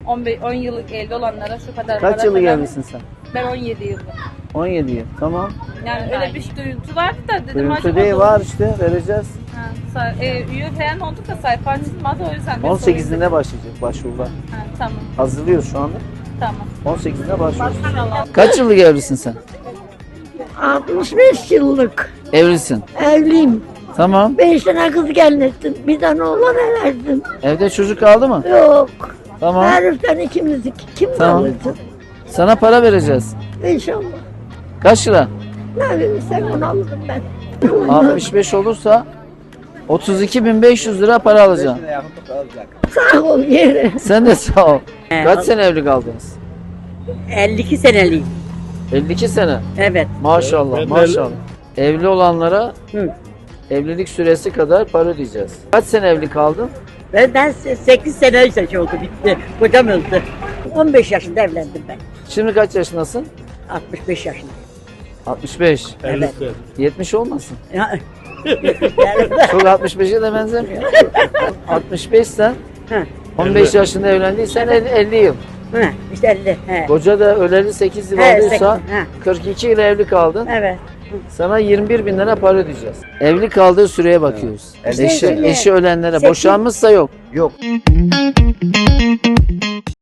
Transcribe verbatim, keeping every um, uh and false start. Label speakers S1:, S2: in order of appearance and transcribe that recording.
S1: on beş on yıllık evli olanlara şu kadar
S2: Kaç
S1: para
S2: yıllık
S1: falan-
S2: evlisin sen?
S1: Ben on yedi yıllık.
S2: on yedi yıl. Tamam.
S1: Yani öyle bir duyuntu vardı da dedim
S2: Görüntü
S1: acaba
S2: değil
S1: doğru-
S2: var işte vereceğiz.
S1: Ha, say- e, üye falan olduk da sayfa açılmadı o yüzden. de
S2: on
S1: sorayım.
S2: sekizinde başlayacak başvurular.
S1: Ha, tamam
S2: Hazırlıyoruz şu anda.
S1: tamam.
S2: on sekizinde başlıyoruz.
S1: İnşallah.
S2: Kaç yıllık evlisin sen?
S3: altmış beş yıllık
S2: Evlisin.
S3: evliyim.
S2: Tamam.
S3: Beş tane kız gelin ettim. Bir tane oğlan verdim.
S2: Evde çocuk kaldı mı?
S3: Yok.
S2: Tamam.
S3: Heriften ikimiz iki. Kim
S2: Tamam.
S3: kalacak?
S2: Sana para vereceğiz.
S3: İnşallah.
S2: Kaç lira?
S3: Ne verirsen onu alırım ben.
S2: altmış beş olursa otuz iki bin beş yüz lira para alacaksın.
S3: Sağ ol yere.
S2: Sen de sağ ol. Kaç sene evli kaldınız?
S4: elli iki seneliyim.
S2: elli iki sene.
S4: Evet.
S2: Maşallah maşallah. Evli olanlara
S4: Hı.
S2: evlilik süresi kadar para ödeyeceğiz. Kaç sene evli kaldın?
S4: Ben, ben sekiz sene şey oldu bitti. Kocam öldü. on beş yaşında evlendim ben.
S2: Şimdi kaç yaşındasın?
S4: altmış beş yaşında.
S2: altmış beş.
S4: Evet.
S2: yetmiş olmasın.
S4: Ya,
S2: Çok altmış beşe de benzemiyor. altmış beş sen
S4: Hı.
S2: on beş yaşında evlendiysen elli, elli yıl.
S4: Hı, işte elli. He.
S2: Koca da öleli sekiz yıl
S4: He,
S2: olduysa
S4: sekiz, he.
S2: kırk iki yıl evli kaldın.
S4: Evet.
S2: Sana yirmi bir bin lira para ödeyeceğiz. Evli kaldığı süreye bakıyoruz.
S3: Evet.
S2: Eşi,
S3: Sekiz-
S2: eşi ölenlere
S3: sekiz-
S2: boşanmışsa yok.
S5: Yok.